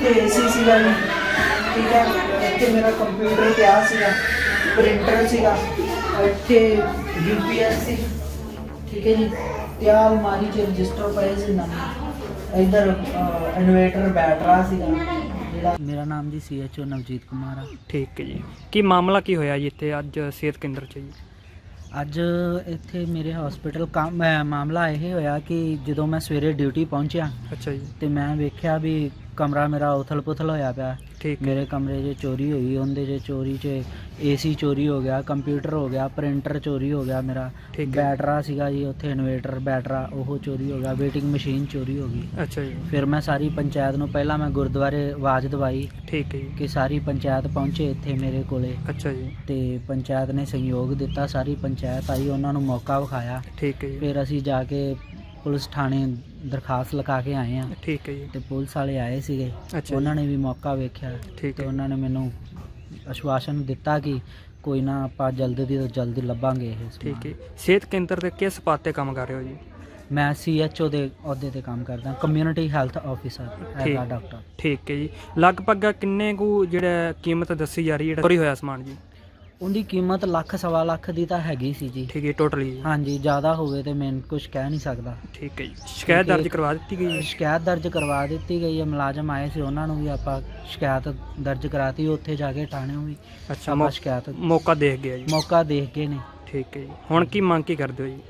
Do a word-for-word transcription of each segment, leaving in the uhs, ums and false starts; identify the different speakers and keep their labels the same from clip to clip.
Speaker 1: ਇੱਥੇ ਏਸੀ ਸੀਗਾ ਜੀ, ਠੀਕ ਹੈ। ਇੱਥੇ ਮੇਰਾ ਕੰਪਿਊਟਰ ਪਿਆ ਸੀਗਾ, ਪ੍ਰਿੰਟਰ ਸੀਗਾ, ਇੱਥੇ ਯੂਪੀਐਸ ਸੀ, ਠੀਕ ਹੈ ਜੀ। ਤੇ ਆਹ ਅਲਮਾਰੀ 'ਚ ਰਜਿਸਟਰ ਪਏ ਸੀ ਨਵੇਂ। ਇੱਧਰ ਇਨਵੇਟਰ ਬੈਟਰਾ ਸੀਗਾ ਜਿਹੜਾ। ਮੇਰਾ ਨਾਮ ਜੀ C H O Navjeet Kumar ਆ।
Speaker 2: ਠੀਕ ਹੈ ਜੀ। ਕੀ ਮਾਮਲਾ ਕੀ ਹੋਇਆ ਜੀ ਇੱਥੇ ਅੱਜ ਸਿਹਤ ਕੇਂਦਰ 'ਚ ਜੀ?
Speaker 1: ਅੱਜ ਇੱਥੇ ਮੇਰੇ ਹਸਪੀਟਲ ਕੰਮ ਮਾਮਲਾ ਇਹ ਹੋਇਆ ਕਿ ਜਦੋਂ ਮੈਂ ਸਵੇਰੇ ਡਿਊਟੀ ਪਹੁੰਚਿਆ
Speaker 2: ਅੱਛਾ ਜੀ।
Speaker 1: ਤੇ ਮੈਂ ਵੇਖਿਆ ਵੀ ਕਮਰਾ ਮੇਰਾ ਉਥਲ ਪੁਥਲ ਹੋਇਆ ਪਿਆ।
Speaker 2: ਠੀਕ।
Speaker 1: ਮੇਰੇ ਕਮਰੇ 'ਚ ਚੋਰੀ ਹੋਈ, ਉਹਦੇ 'ਚ ਚੋਰੀ 'ਚ ਏਸੀ ਚੋਰੀ ਹੋ ਗਿਆ, ਕੰਪਿਊਟਰ ਹੋ ਗਿਆ, ਪ੍ਰਿੰਟਰ ਚੋਰੀ ਹੋ ਗਿਆ ਮੇਰਾ, ਬੈਟਰਾ ਸੀਗਾ ਜੀ ਉੱਥੇ ਇਨਵੇਟਰ ਬੈਟਰਾ ਉਹ ਚੋਰੀ ਹੋ ਗਿਆ, ਵੇਟਿੰਗ ਮਸ਼ੀਨ ਚੋਰੀ ਹੋ ਗਈ।
Speaker 2: ਅੱਛਾ ਜੀ।
Speaker 1: ਫਿਰ ਮੈਂ ਸਾਰੀ ਪੰਚਾਇਤ ਨੂੰ ਪਹਿਲਾਂ ਮੈਂ ਗੁਰਦੁਆਰੇ ਆਵਾਜ਼ ਦਵਾਈ।
Speaker 2: ਠੀਕ ਹੈ ਜੀ।
Speaker 1: ਕਿ ਸਾਰੀ ਪੰਚਾਇਤ ਪਹੁੰਚੇ ਇੱਥੇ ਮੇਰੇ ਕੋਲੇ।
Speaker 2: ਅੱਛਾ ਜੀ।
Speaker 1: ਤੇ ਪੰਚਾਇਤ ਨੇ ਸਹਿਯੋਗ ਦਿੱਤਾ, ਸਾਰੀ ਪੰਚਾਇਤ ਆਈ, ਉਹਨਾਂ ਨੂੰ ਮੌਕਾ ਵਿਖਾਇਆ।
Speaker 2: ਠੀਕ ਹੈ ਜੀ।
Speaker 1: ਫਿਰ ਅਸੀਂ ਜਾ ਕੇ ਪੁਲਿਸ ਥਾਣੇ ਦਰਖਾਸਤ ਲਿਖਾ ਕੇ ਆਏ ਆ।
Speaker 2: ਠੀਕ ਹੈ ਜੀ।
Speaker 1: ਤੇ ਪੁਲਿਸ ਵਾਲੇ ਆਏ ਸੀਗੇ,
Speaker 2: ਅੱਛਾ।
Speaker 1: ਉਹਨਾਂ ਨੇ ਵੀ ਮੌਕਾ ਵੇਖਿਆ।
Speaker 2: ਠੀਕ
Speaker 1: ਤੇ
Speaker 2: ਹੈ।
Speaker 1: ਉਹਨਾਂ ਨੇ ਮੈਨੂੰ ਆਸ਼ਵਾਸਨ ਦਿੱਤਾ ਕਿ ਕੋਈ ਨਾ ਆਪਾਂ ਜਲਦੀ ਤੋਂ ਜਲਦੀ ਲੱਭਾਂਗੇ ਇਹ ਸਮਾਨ।
Speaker 2: ਠੀਕ ਹੈ। ਸਿਹਤ ਕੇਂਦਰ ਦੇ ਕਿਸ ਪਦ ਤੇ ਕੰਮ ਕਰ ਰਹੇ ਹੋ ਜੀ?
Speaker 1: ਮੈਂ ਸੀ ਐਚ ਓ ਦੇ ਅਹੁਦੇ ਤੇ ਕੰਮ ਕਰਦਾ, ਕਮਿਊਨਿਟੀ ਹੈਲਥ ਆਫਿਸਰ ਹੈਗਾ ਡਾਕਟਰ।
Speaker 2: ਠੀਕ ਹੈ ਜੀ। ਲਗਭਗ ਕਿੰਨੇ ਕੁ ਜਿਹੜਾ ਕੀਮਤ ਦੱਸੀ ਜਾ ਰਹੀ ਜਿਹੜਾ ਚੋਰੀ ਹੋਇਆ ਸਮਾਨ ਜੀ?
Speaker 1: ਉਹਦੀ ਕੀਮਤ ਲੱਖ ਸਵਾ ਲੱਖ ਦੀ ਤਾਂ ਹੈਗੀ ਸੀ ਜੀ।
Speaker 2: ਠੀਕ ਹੈ ਟੋਟਲੀ?
Speaker 1: ਹਾਂਜੀ, ਜ਼ਿਆਦਾ ਹੋਵੇ ਤੇ ਮੈਂ ਕੁਝ ਕਹਿ ਨਹੀਂ ਸਕਦਾ।
Speaker 2: ਠੀਕ ਹੈ ਜੀ। ਸ਼ਿਕਾਇਤ ਦਰਜ ਕਰਵਾ ਦਿੱਤੀ ਗਈ ਹੈ?
Speaker 1: ਸ਼ਿਕਾਇਤ ਦਰਜ ਕਰਵਾ ਦਿੱਤੀ ਗਈ ਹੈ, ਮੁਲਾਜ਼ਮ ਆਏ ਸੀ, ਉਹਨਾਂ ਨੂੰ ਵੀ ਆਪਾਂ ਸ਼ਿਕਾਇਤ ਦਰਜ ਕਰਾਤੀ, ਉੱਥੇ ਜਾ ਕੇ ਥਾਣਿਓਂ ਵੀ
Speaker 2: ਅੱਛਾ।
Speaker 1: ਆਪਾਂ ਸ਼ਿਕਾਇਤ
Speaker 2: ਮੌਕਾ ਦੇਖ ਗਿਆ ਜੀ?
Speaker 1: ਮੌਕਾ ਦੇਖ ਕੇ ਨੇ।
Speaker 2: ਠੀਕ ਹੈ ਜੀ। ਹੁਣ ਕੀ ਮੰਗ ਕੀ ਕਰਦੇ ਹੋ ਜੀ?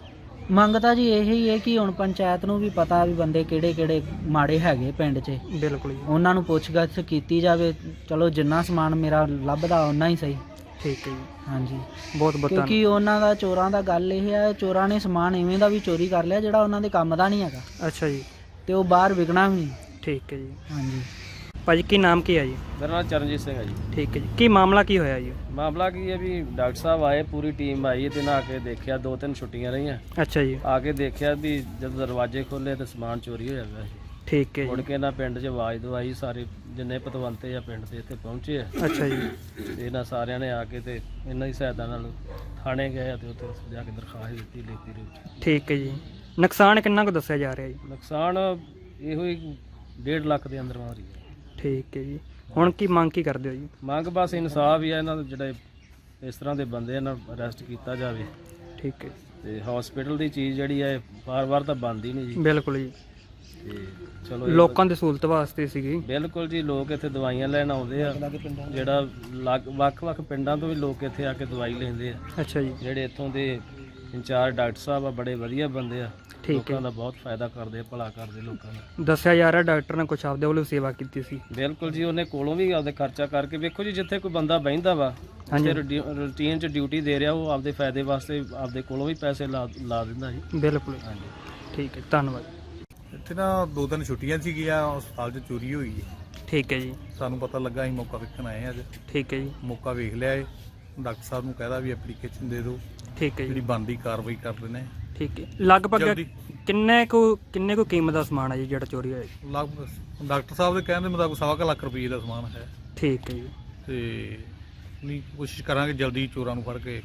Speaker 1: ਮੰਗ ਤਾਂ ਜੀ ਇਹੀ ਹੈ ਕਿ ਹੁਣ ਪੰਚਾਇਤ ਨੂੰ ਵੀ ਪਤਾ ਵੀ ਬੰਦੇ ਕਿਹੜੇ ਕਿਹੜੇ ਮਾੜੇ ਹੈਗੇ ਪਿੰਡ 'ਚ।
Speaker 2: ਬਿਲਕੁਲ ਜੀ।
Speaker 1: ਉਹਨਾਂ ਨੂੰ ਪੁੱਛਗਿੱਛ ਕੀਤੀ ਜਾਵੇ। ਚਲੋ ਜਿੰਨਾ ਸਮਾਨ ਮੇਰਾ ਲੱਭਦਾ ਓਨਾ ਹੀ ਸਹੀ।
Speaker 2: ਠੀਕ ਹੈ ਜੀ।
Speaker 1: ਹਾਂਜੀ,
Speaker 2: ਬਹੁਤ ਬਹੁਤ
Speaker 1: ਕਿਉਂਕਿ ਉਹਨਾਂ ਦਾ ਚੋਰਾਂ ਦਾ ਗੱਲ ਇਹ ਹੈ, ਚੋਰਾਂ ਨੇ ਸਮਾਨ ਇਵੇਂ ਦਾ ਵੀ ਚੋਰੀ ਕਰ ਲਿਆ ਜਿਹੜਾ ਉਹਨਾਂ ਦੇ ਕੰਮ ਦਾ ਨਹੀਂ ਹੈਗਾ।
Speaker 2: ਅੱਛਾ ਜੀ।
Speaker 1: ਤੇ ਉਹ ਬਾਹਰ ਵਿਕਣਾ ਵੀ ਨਹੀਂ।
Speaker 2: ਠੀਕ ਹੈ ਜੀ।
Speaker 1: ਹਾਂਜੀ
Speaker 2: ਭਾਜੀ ਕੀ ਨਾਮ ਕੀ ਹੈ ਜੀ?
Speaker 3: ਮੇਰਾ ਨਾਮ ਚਰਨਜੀਤ ਸਿੰਘ ਹੈ ਜੀ।
Speaker 2: ਠੀਕ ਹੈ ਜੀ। ਕੀ ਮਾਮਲਾ ਕੀ ਹੋਇਆ ਜੀ?
Speaker 3: ਮਾਮਲਾ ਕੀ ਹੈ ਵੀ ਡਾਕਟਰ ਸਾਹਿਬ ਆਏ, ਪੂਰੀ ਟੀਮ ਆਈ ਤੇ ਨਾ ਕੇ ਦੇਖਿਆ, ਦੋ ਤਿੰਨ ਛੁੱਟੀਆਂ ਰਹੀਆਂ।
Speaker 2: ਅੱਛਾ ਜੀ।
Speaker 3: ਆ ਕੇ ਦੇਖਿਆ ਵੀ ਜਦੋਂ ਦਰਵਾਜ਼ੇ ਖੋਲ੍ਹੇ ਤਾਂ ਸਮਾਨ ਚੋਰੀ ਹੋਇਆ ਪਿਆ ਸੀ।
Speaker 2: ਠੀਕ ਹੈ
Speaker 3: ਮੁੜ
Speaker 2: ਜੀ।
Speaker 3: ਕੇ ਨਾ ਪਿੰਡ 'ਚ ਆਵਾਜ਼ ਦਵਾਈ, ਸਾਰੇ ਜਿੰਨੇ ਪਤਵੰਤੇ ਆ ਪਿੰਡ ਦੇ ਇੱਥੇ ਪਹੁੰਚੇ ਆ।
Speaker 2: ਅੱਛਾ ਜੀ।
Speaker 3: ਤੇ ਇਹਨਾਂ ਸਾਰਿਆਂ ਨੇ ਆ ਕੇ ਤੇ ਇਹਨਾਂ ਦੀ ਸਹਾਇਤਾ ਨਾਲ ਥਾਣੇ ਗਏ ਤੇ ਉੱਥੇ ਜਾ ਕੇ ਦਰਖਾਸਤ ਦਿੱਤੀ ਲਿਖਤੀ ਦੇ ਵਿੱਚ।
Speaker 2: ਠੀਕ ਹੈ ਜੀ। ਨੁਕਸਾਨ ਕਿੰਨਾ ਕੁ ਦੱਸਿਆ ਜਾ ਰਿਹਾ ਜੀ?
Speaker 3: ਨੁਕਸਾਨ ਇਹੋ ਹੀ ਡੇਢ ਲੱਖ ਦੇ ਅੰਦਰ ਮਾਰੀ ਹੈ।
Speaker 2: ਠੀਕ ਹੈ ਜੀ। ਹੁਣ ਕੀ ਮੰਗ ਕੀ ਕਰਦੇ ਹੋ ਜੀ?
Speaker 3: ਮੰਗ ਬਸ ਇਨਸਾਫ ਹੀ ਆ, ਇਹਨਾਂ ਦੇ ਜਿਹੜੇ ਇਸ ਤਰ੍ਹਾਂ ਦੇ ਬੰਦੇ ਇਹਨਾਂ ਨੂੰ ਅਰੈਸਟ ਕੀਤਾ ਜਾਵੇ।
Speaker 2: ਠੀਕ ਹੈ।
Speaker 3: ਤੇ ਹਸਪੀਟਲ ਦੀ ਚੀਜ਼ ਜਿਹੜੀ ਹੈ ਵਾਰ-ਵਾਰ ਤਾਂ ਬਣਦੀ ਨਹੀਂ ਜੀ।
Speaker 2: ਬਿਲਕੁਲ ਜੀ।
Speaker 3: ਤੇ ਚਲੋ
Speaker 2: ਲੋਕਾਂ ਦੀ ਸਹੂਲਤ ਵਾਸਤੇ ਸੀਗੀ।
Speaker 3: ਬਿਲਕੁਲ ਜੀ, ਲੋਕ ਇੱਥੇ ਦਵਾਈਆਂ ਲੈਣ ਆਉਂਦੇ ਆ, ਜਿਹੜਾ ਲੱਗ ਵੱਖ-ਵੱਖ ਪਿੰਡਾਂ ਤੋਂ ਵੀ ਲੋਕ ਇੱਥੇ ਆ ਕੇ ਦਵਾਈ ਲੈਂਦੇ ਆ।
Speaker 2: ਅੱਛਾ ਜੀ।
Speaker 3: ਜਿਹੜੇ ਇੱਥੋਂ ਦੇ ਇੰਚਾਰਜ ਡਾਕਟਰ ਸਾਹਿਬ ਆ, ਬੜੇ ਵਧੀਆ ਬੰਦੇ ਆ,
Speaker 2: ਠੀਕ ਹੈ।
Speaker 3: ਲੋਕਾਂ ਦਾ ਬਹੁਤ ਫਾਇਦਾ ਕਰਦੇ ਆ, ਭਲਾ ਕਰਦੇ ਲੋਕਾਂ ਦਾ।
Speaker 2: ਦੱਸਿਆ ਜਾ ਰਿਹਾ ਡਾਕਟਰ ਨੇ ਕੁਛ ਆਪਦੇ ਵੱਲੋਂ ਸੇਵਾ ਕੀਤੀ ਸੀ?
Speaker 3: ਬਿਲਕੁਲ ਜੀ, ਉਹਨੇ ਕੋਲੋਂ ਵੀ ਆਪਦੇ ਖਰਚਾ ਕਰਕੇ, ਵੇਖੋ ਜੀ ਜਿੱਥੇ ਕੋਈ ਬੰਦਾ ਬਹਿੰਦਾ ਵਾ ਤੇ ਰੂਟੀਨ 'ਚ ਡਿਊਟੀ ਦੇ ਰਿਹਾ, ਉਹ ਆਪਦੇ ਫਾਇਦੇ ਵਾਸਤੇ ਆਪਦੇ ਕੋਲੋਂ ਵੀ ਪੈਸੇ ਲਾ ਲਾ ਦਿੰਦਾ ਜੀ।
Speaker 2: ਬਿਲਕੁਲ।
Speaker 3: ਹਾਂਜੀ,
Speaker 2: ਠੀਕ ਹੈ, ਧੰਨਵਾਦ।
Speaker 4: ਇੱਥੇ ਨਾ ਦੋ ਤਿੰਨ ਛੁੱਟੀਆਂ ਸੀਗੀਆਂ, ਹਸਪਤਾਲ 'ਚ ਚੋਰੀ ਹੋਈ ਹੈ।
Speaker 2: ਠੀਕ ਹੈ ਜੀ।
Speaker 4: ਸਾਨੂੰ ਪਤਾ ਲੱਗਾ, ਅਸੀਂ ਮੌਕਾ ਵੇਖਣ ਆਏ ਅੱਜ।
Speaker 2: ਠੀਕ ਹੈ ਜੀ।
Speaker 4: ਮੌਕਾ ਵੇਖ ਲਿਆ ਏ, ਡਾਕਟਰ ਸਾਹਿਬ ਨੂੰ ਕਹਿਦਾ ਵੀ ਐਪਲੀਕੇਸ਼ਨ ਦੇ ਦਿਓ,
Speaker 2: ਠੀਕ ਹੈ
Speaker 4: ਜਿਹੜੀ
Speaker 2: ਜੀ।
Speaker 4: ਬਣਦੀ ਕਾਰਵਾਈ ਕਰ ਲੈਣੇ।
Speaker 2: ਠੀਕ ਹੈ। ਲਗਭਗ
Speaker 4: ਜਲਦੀ।
Speaker 2: ਕਿੰਨੇ ਕੁ ਕਿੰਨੇ ਕੁ ਕੀਮਤ ਦਾ ਸਮਾਨ ਹੈ ਜੀ ਜਿਹੜਾ ਚੋਰੀ ਹੋਇਆ ਜੀ?
Speaker 4: ਲਗਭਗ ਡਾਕਟਰ ਸਾਹਿਬ ਦੇ ਕਹਿਣ ਦੇ ਮੁਤਾਬਕ ਸਵਾ ਕੁ ਲੱਖ ਰੁਪਏ ਦਾ ਸਮਾਨ ਹੈ।
Speaker 2: ਠੀਕ ਹੈ ਜੀ।
Speaker 4: ਤੇ ਨਹੀਂ ਕੋਸ਼ਿਸ਼ ਕਰਾਂਗੇ ਜਲਦੀ ਚੋਰਾਂ ਨੂੰ ਫੜ ਕੇ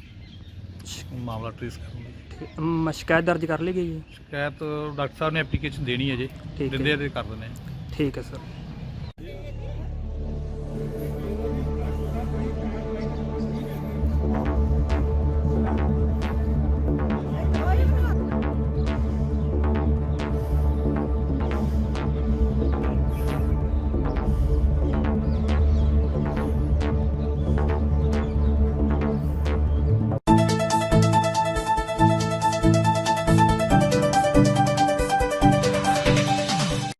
Speaker 4: ਮਾਮਲਾ ਟ੍ਰੇਸ ਕਰਨ ਦੀ।
Speaker 2: ਠੀਕ। ਮ- ਸ਼ਿਕਾਇਤ ਦਰਜ ਕਰ ਲਈ ਗਈ ਜੀ?
Speaker 4: ਸ਼ਿਕਾਇਤ ਡਾਕਟਰ ਸਾਹਿਬ ਨੇ ਐਪਲੀਕੇਸ਼ਨ ਦੇਣੀ ਹੈ ਜੇ,
Speaker 2: ਠੀਕ ਹੈ।
Speaker 4: ਦਿੰਦੇ ਆ ਤੇ ਕਰ ਦਿੰਦੇ ਆ।
Speaker 2: ਠੀਕ ਹੈ ਸਰ।